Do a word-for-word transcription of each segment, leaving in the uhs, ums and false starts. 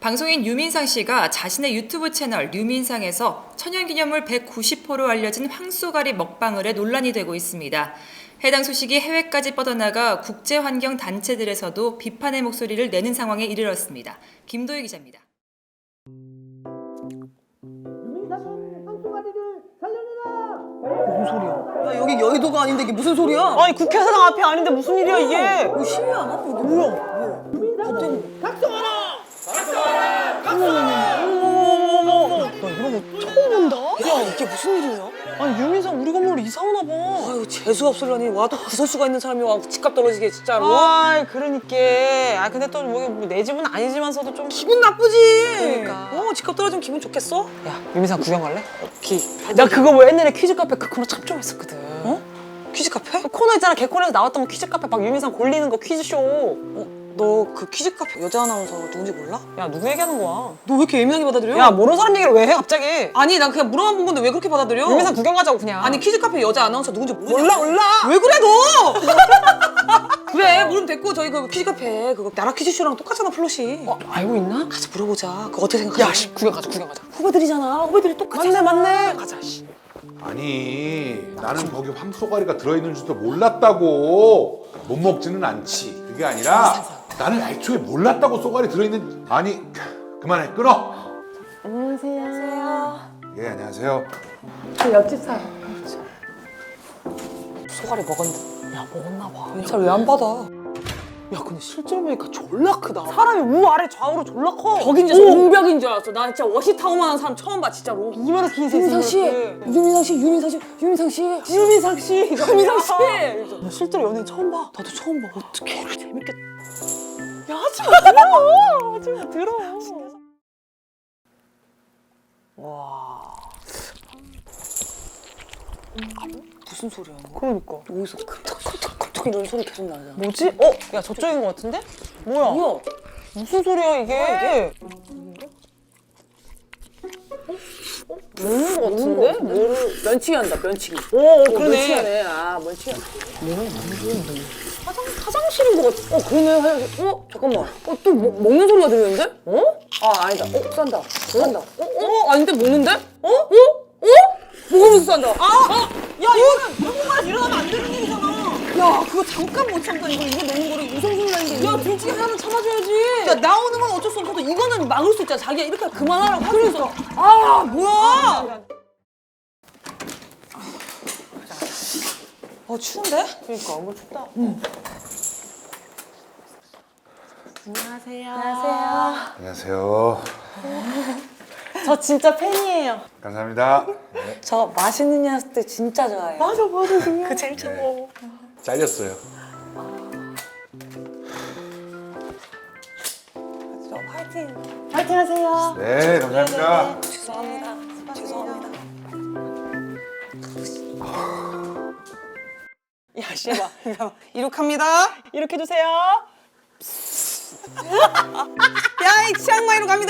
방송인 유민상 씨가 자신의 유튜브 채널 유민상에서 천연기념물 백구십 호로 알려진 황쏘가리 먹방을 해 논란이 되고 있습니다. 해당 소식이 해외까지 뻗어나가 국제환경단체들에서도 비판의 목소리를 내는 상황에 이르렀습니다. 김도희 기자입니다. 유민상은 황쏘가리를 살려내라! 무슨 소리야? 야, 여기 여의도가 아닌데 이게 무슨 소리야? 아니 국회의사당 앞이 아닌데 무슨 일이야 이게? 뭐 시위 안 하고 이게 뭐야? 유민상은 각성하라! 어머머머머머. 나 이런 거 처음 본다. 야, 이게 무슨 일이야? 아니 유민상 우리 건물로 이사 오나 봐. 아유, 재수 없으려니 와도 구설수가 있는 사람이 와 집값 떨어지게 진짜로. 아, 그러니까. 아 근데 또 뭐 내 집은 아니지만서도 좀 기분 나쁘지. 그러니까. 어, 집값 떨어지면 기분 좋겠어? 야, 유민상 구경 갈래? 오케이. 나 그거 뭐 옛날에 퀴즈 카페 그 코너 참 좋아했었거든. 어? 퀴즈 카페? 그 코너 있잖아. 개코너에서 나왔던 거 퀴즈 카페 막 유민상 골리는 거 퀴즈 쇼. 어, 너 그 퀴즈 카페 여자 아나운서 누군지 몰라? 야, 누구 얘기하는 거야? 너 왜 이렇게 예민하게 받아들여? 야, 모르는 사람 얘기를 왜 해 갑자기? 아니, 난 그냥 물어만 본 건데 왜 그렇게 받아들여? 유민상 구경 가자고 그냥. 아니, 퀴즈 카페 여자 아나운서 누군지 모르냐? 몰라 몰라. 왜 그래 너? 그래, 물으면 됐고 저희 그 퀴즈 카페 그거 나라 퀴즈쇼랑 똑같잖아 플롯이. 어, 알고 있나? 가서 물어보자. 그거 어떻게 생각해? 야, 씨, 구경 가자 구경 가자. 후배들이잖아. 후배들이 똑같아. 맞네 맞네. 가자 씨. 아니 나는 거기 황쏘가리가 들어있는 줄도 몰랐다고. 못 먹지는 않지. 그게 아니라 나는 애초에 몰랐다고 쏘가리 들어있는. 아니 그만해 끊어. 안녕하세요. 예 안녕하세요. 저 옆집 사람. 소가리 먹었는데. 야, 먹었나 봐. 잘 왜 안 받아? 야, 근데 실제로 보니까 졸라 크다. 사람이 우 아래 좌우로 졸라 커. 벽인 줄 알았어. 옹벽인 줄 알았어. 나 진짜 워시타워만한 사람 처음 봐 진짜로. 이마나 긴 새. 유민상 씨, 유민상 씨, 유민상 씨, 유민상 씨, 유민상 씨, 유민상 씨. 나 실제로 연예인 처음 봐. 나도 처음 봐. 어떡해. 이렇게 재밌겠다. 야, 하지 마, 들어. 하지 마, 들어. 와. 무슨 소리야? 너? 그러니까. 여기서 큼덕큼덕큼덕 이런 소리 계속 나잖아. 뭐지? 어? 야, 저쪽인 것 같은데? 뭐야? 뭐야? 무슨 소리야, 이게? 먹는 거 같은데? 뭐를 면치기 한다. 면치기. 오, 어, 그러네. 면치기하네. 아, 면치기. 뭐야? 화장 화장실인 것 같아. 어, 그러네. 화장실. 어, 잠깐만. 어, 또 뭐, 먹는 소리가 들리는데? 어? 아, 아니다. 어, 싼다. 싼다. 어, 어, 아닌데 먹는데? 어? 어? 어? 먹으면서 싼다. 아! 야, 이거는 누군가 일어나면 안 되는 일이잖아. 야, 그거 잠깐 못 참다. 이거 이거 먹는 거를 우성순이라는 게. 야, 둘 중에 하나는 참아줘야지. 야, 나오는 건 어쩔 수 없어도 이거는 막을 수 있잖아. 자기가 이렇게 그만하라고 할 수 있어. 아, 뭐야? 어, 추운데? 그러니까, 뭐 춥다. 안녕하세요. 안녕하세요. 안녕하세요. 저 진짜 팬이에요. 감사합니다. 네, 저 맛있는 녀석 때 진짜 좋아해요. 맞아, 맞아, 그냥. 그 제일 좋아. 잘렸어요. 저 파이팅. 파이팅 하세요. 네 감사합니다. 죄송합니다. 죄송합니다. 야, 씨발. 이륙합니다. 이렇게 해주세요. 야, 이 치앙마이로 갑니다.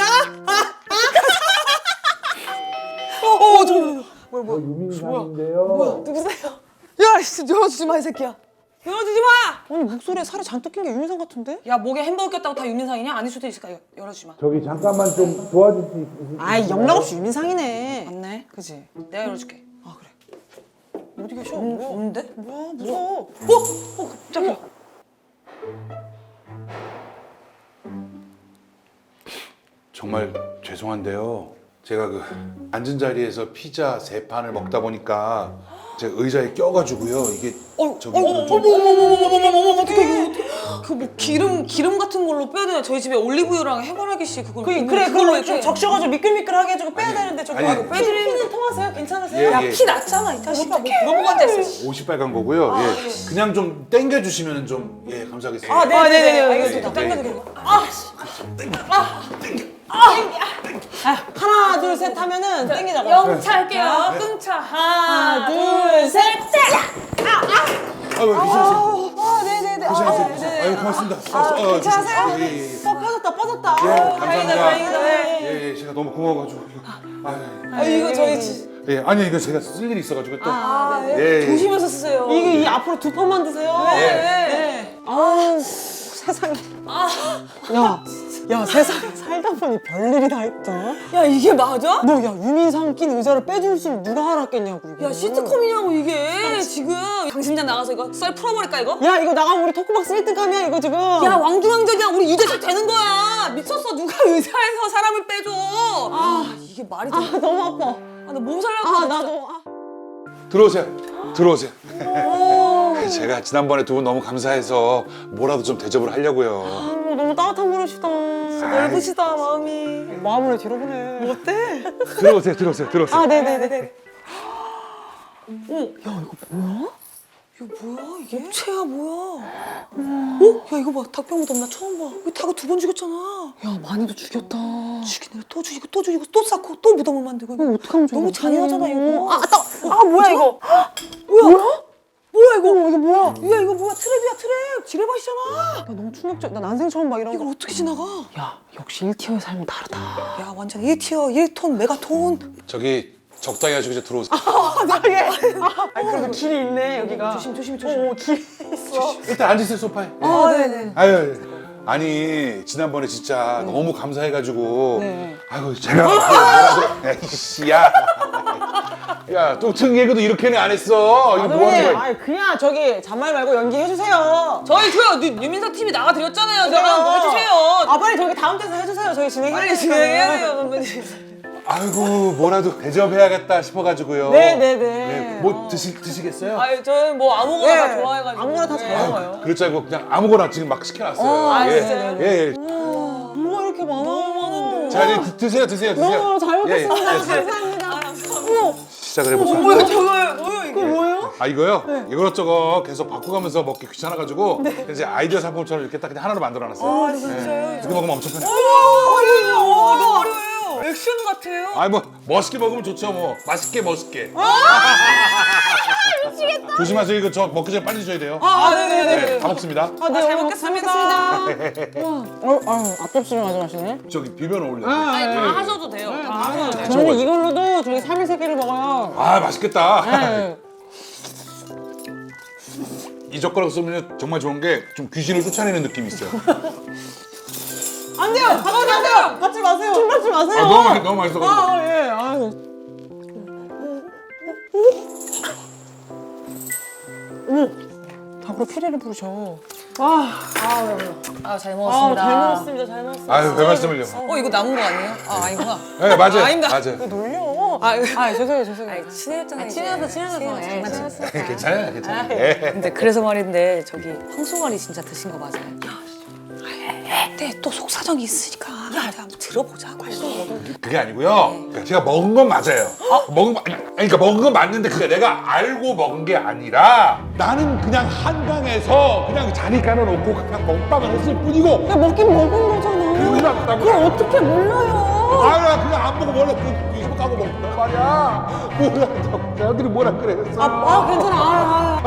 어, 어, 저, 뭐야, 뭐야. 유민상인데요. 누구세요? 야, 씨, 열어주지 마, 이 새끼야. 열어주지 마! 아니, 목소리에 살이 잔뜩 낀 게 유민상 같은데? 야, 목에 햄버거 꼈다고 다 유민상이냐? 아닐 수도 있으니까 여- 열어주지 마. 저기 잠깐만 좀 도와줄 수 있으세요? 아이, 영락없이 유민상이네. 맞네. 그지? 내가 열어줄게. 아, 그래. 어디 계셔? 음, 뭐야? 없는데? 뭐야, 무서워. 어? 어, 깜짝이야. 정말 죄송한데요. 제가 그 앉은 자리에서 피자 세 판을 먹다 보니까 제가 의자에 껴가지고요. 이게 저기 어머, 좀 어머, 어머, 어머, 어머, 어머, 어머, 어떡해. 그뭐 기름, 기름 같은 걸로 빼야 되나? 저희 집에 올리브유랑 해바라기 씨 그걸. 그, 있는데 그래, 그걸로 그걸로 이렇게. 좀 적셔가지고 미끌미끌하게 해주고 빼야 아니, 되는데 저기 아니. 아이고, 빼드리는 피는 통하세요? 괜찮으세요? 예, 야, 예. 피 났잖아, 이 자식아. 뭐 물어보고 앉아있어. 옷이 빨간 거고요. 예. 그냥 좀 땡겨 주시면 좀 예 감사하겠습니다. 아, 네, 아, 네, 네, 네네네, 알겠습니다. 네. 당겨드리고. 아, 씨. 하나, 둘, 셋 하면은 땡기자고. 영차 할게요. 끙차. 하나, 둘, 셋, 셋! 아유 괜찮으세요? 아, 네네네. 괜찮으세요? 아유 고맙습니다. 아, 괜찮으세요? 예, 예, 예. 어, 빠졌다, 빠졌다. 예, 아, 감사합니다. 다행이다. 예, 예, 제가 너무 고마워가지고. 아, 아, 이거 저희 지- 예, 아니 이거 제가 쓸 일이 있어가지고 또. 아, 네. 예, 예. 조심해서 쓰세요. 이게 이 앞으로 두 판만 드세요. 네. 네. 아우, 세상에. 야, 야 세상에 살다 보니 별일이 다 있다. 야 이게 맞아? 너 야 유민상 낀 의자를 빼줄 수 누가 알았겠냐고 이거. 야 시트콤이냐고 이게 지금 강심장 나가서 이거 썰 풀어버릴까 이거? 야 이거 나가면 우리 토크박스 일 등감이야 이거 지금. 야 왕중왕전이야 우리 유재석 되는 거야 미쳤어 누가 의사에서 사람을 빼줘 아 이게 말이 돼? 아 너무 아파. 아나 몸 살려고 아 나도. 아. 들어오세요. 들어오세요. 제가 지난번에 두 분 너무 감사해서 뭐라도 좀 대접을 하려고요. 아, 너무 따뜻한 분이시다. 넓으시다 마음이 마음을 왜 뒤로보내. 뭐 어때? 들어오세요. 들어오세요. 들어오세요. 아 네네네. 이거 뭐야 이게? 업체야 뭐야 어? 야 이거 봐 닭병 무덤 나 처음 봐 이거 닭을 두 번 죽였잖아 야 많이도 죽였다. 죽이네 또 죽이고 또 죽이고 또 쌓고 또 무덤을 만들고 이거 어떡하면 좋아? 너무 잔인하잖아 이거 아, 따, 아 뭐야 이거? 뭐야? 뭐야 이거? 어, 이거 뭐야? 야 이거 뭐야 트랩이야 트랩 지뢰밭이잖아 나 너무 충격적. 나 난생 처음 봐 이런 이걸 거. 어떻게 지나가? 야 역시 일 티어의 삶은 다르다. 야 완전 일 티어 일 톤 메가톤 저기 적당히 하시고 이제 들어오세요. 아 그래도 길이 있네 여기가. 조심 조심 조심 어 길이 있어. 일단 앉으세요 소파에. 아 네네 아유, 아니 지난번에 진짜 너무 감사해가지고 네. 아이고 제가 뭐라도 에이씨 야, 야 뚱뚱 개그도 이렇게는 안 했어. 이거 뭐 하는 거야? 아 그냥 저기 잔말 말고 연기해 주세요. 저희 그요 유민석 팀이 나가드렸잖아요 저랑 뭐 해주세요 아 빨리 저기 다음 데서 해주세요. 저희 진행해. 빨리 진행해야 돼요 선배님 아이고 뭐라도 대접해야겠다 싶어가지고요. 네네네. 네, 뭐 드시 드시겠어요? 아유 저는 뭐 아무거나 네. 다 좋아해가지고 아무거나 다 잘 네. 먹어요. 그럴 줄 알고 그냥 아무거나 지금 막 시켜놨어요. 아, 예. 진짜요? 예, 예. 뭐가 이렇게 많아? 너무 많은데. 자 이제 드- 드세요 드세요 드세요. 너무 잘 예, 예. 먹겠습니다. 예, 감사합니다. 시작을 해볼까요? 뭐야 저거요 뭐야 이게 이거 뭐예요? 아 이거요? 이것저것 계속 바꿔가면서 먹기 귀찮아가지고 이제 아이디어 상품처럼 이렇게 딱 그냥 하나로 만들어놨어요. 아 진짜요? 이렇게 먹으면 엄청 편해. 어려워요 너무 어려워요 액션 같아요 아니 뭐 멋있게 먹으면 좋죠 뭐. 맛있게 멋있게. 미치겠다. 조심하세요. 이거 저 먹기 전에 빨리 드셔야 돼요. 아 네네네 네, 다 먹습니다. 아, 네, 잘 오늘 먹겠습니다. 어, 아유, 앞접시를 가져가시네. 저기 비벼는 올려. 아니 다 하셔도 돼요 다 하셔도 돼요 저는 이걸로도 저희 삼 일 세 끼를 먹어요. 아 맛있겠다. 네. 이 젓가락 쓰면 정말 좋은 게 좀 귀신을 쫓아내는 느낌이 있어요. 안 돼요! 가만히 안 돼요! 받지 마세요! 술 받지 마세요! 아 너무 맛 너무 맛있어가지고. 아, 예, 아유. 어머, 닭으로 피레를 부르셔. 아, 아잘 아, 먹었습니다 잘 먹었습니다, 잘 먹었습니다. 아유 별 말씀을요. 어 이거 남은 거 아니에요? 아 아니구나 네 맞아요. 아, 아닙니다. 맞아요. 놀려. 아, 아, 죄송해요, 죄송해요. 친해졌잖아요 친해서, 친해서. 예, 친해서. 네, 괜찮아요 괜찮아요. 예. 근데 그래서 말인데 저기 황소가리 진짜 드신 거 맞아요? 네, 또 속사정이 있으니까 야, 한번 들어보자 그게 아니고요. 그러니까 제가 먹은 건 맞아요. 먹은 거, 아니, 그러니까 먹은 건 맞는데 그게 내가 알고 먹은 게 아니라 나는 그냥 한강에서 그냥 자리 깔아놓고 그냥 먹방을 했을 뿐이고 야, 먹긴 먹은 거잖아. 그러지 않다고. 그걸 어떻게 몰라요? 아나 그냥 안 보고 원래 그 이렇게 하고 먹는 말이야. 뭐라 사람들이 뭐라 그랬어. 아, 아 괜찮아. 아,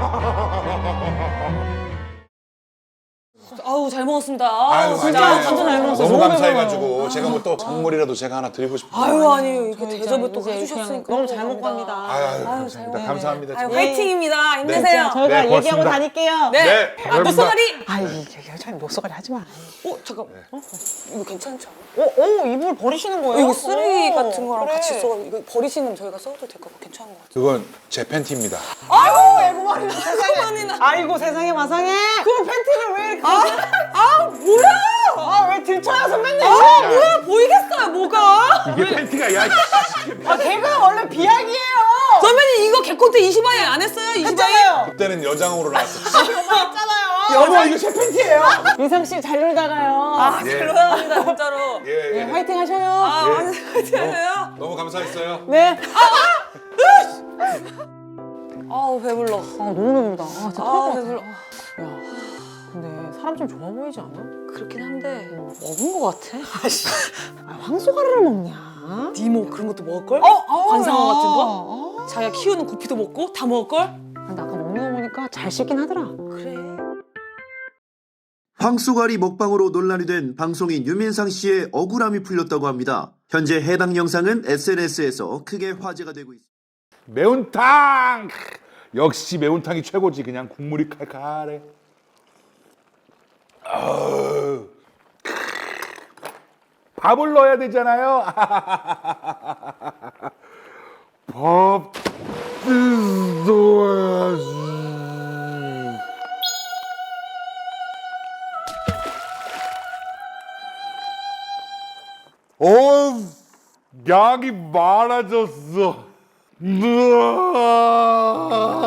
아. 아우 잘 먹었습니다 아유, 아우, 진짜 아니에요. 완전 잘 먹었어요 너무 너무 감사해가지고 배고파요. 제가 뭐 또 선물이라도 제가 하나 드리고 싶어요. 아유 아니 이렇게 저희 대접을 또 이제 해주셨으니까 그냥 너무 잘 먹고 갑니다. 아유, 아유, 잘 감사합니다. 먹네. 감사합니다. 아유 정말. 화이팅입니다 네. 힘내세요 저희가 네, 고맙습니다. 얘기하고 다닐게요. 네, 네, 아 여러분들. 목소리 아이, 여자는 목소리 하지 마. 어 잠깐 어? 이거 괜찮죠? 오, 오, 이불 버리시는 거예요? 이거 쓰레기 오, 같은 거랑 그래. 같이 써 이거 버리시면 저희가 써도 될 것 같고 괜찮은 것 같아요 그건 제 팬티입니다. 아이고, 애고말이나 세상에. 아니나 아이고, 세상에 마상에. 그 팬티를 왜 이렇게. 아, 아, 뭐야! 아, 왜 들쳐요, 선배님? 아 뭐야 보이겠어요 뭐가 이게 팬티가 야. 아, 개그는 원래 비약이에요! 선배님 이거 개콘테 이십아이 안 했어요? 이십아이? 했잖아요! 그때는 여장으로 나왔어. 했잖아요! 여보 이거 제 팬티예요. 민상 씨 잘 놀다가요. 아 예. 잘 놀랍니다 진짜로 예, 예. 네, 화이팅 하셔요. 아 예. 화이팅 하세요 너무 감사했어요. 네. 아우 배불러 아, 너무 배부르다. 아, 진짜 아, 토할 것 같아. 배불러. 야, 근데 사람 좀 좋아 보이지 않아? 그렇긴 한데 먹은 것 같아 아, 황소가리를 먹냐? 니모 그런 것도 먹을걸? 어, 어, 관상어 야. 같은 거? 어. 자기가 키우는 구피도 먹고 다 먹을걸? 근데 아까 먹는 거 보니까 잘 씻긴 하더라. 그래 황소가리 먹방으로 논란이 된 방송인 유민상 씨의 억울함이 풀렸다고 합니다. 현재 해당 영상은 에스엔에스에서 크게 화제가 되고 있습니다. 매운탕. 역시 매운탕이 최고지. 그냥 국물이 칼칼해. 아우. 밥을 넣어야 되잖아요. 밥 넣어야지. 어, 양이 많아졌어. 으아.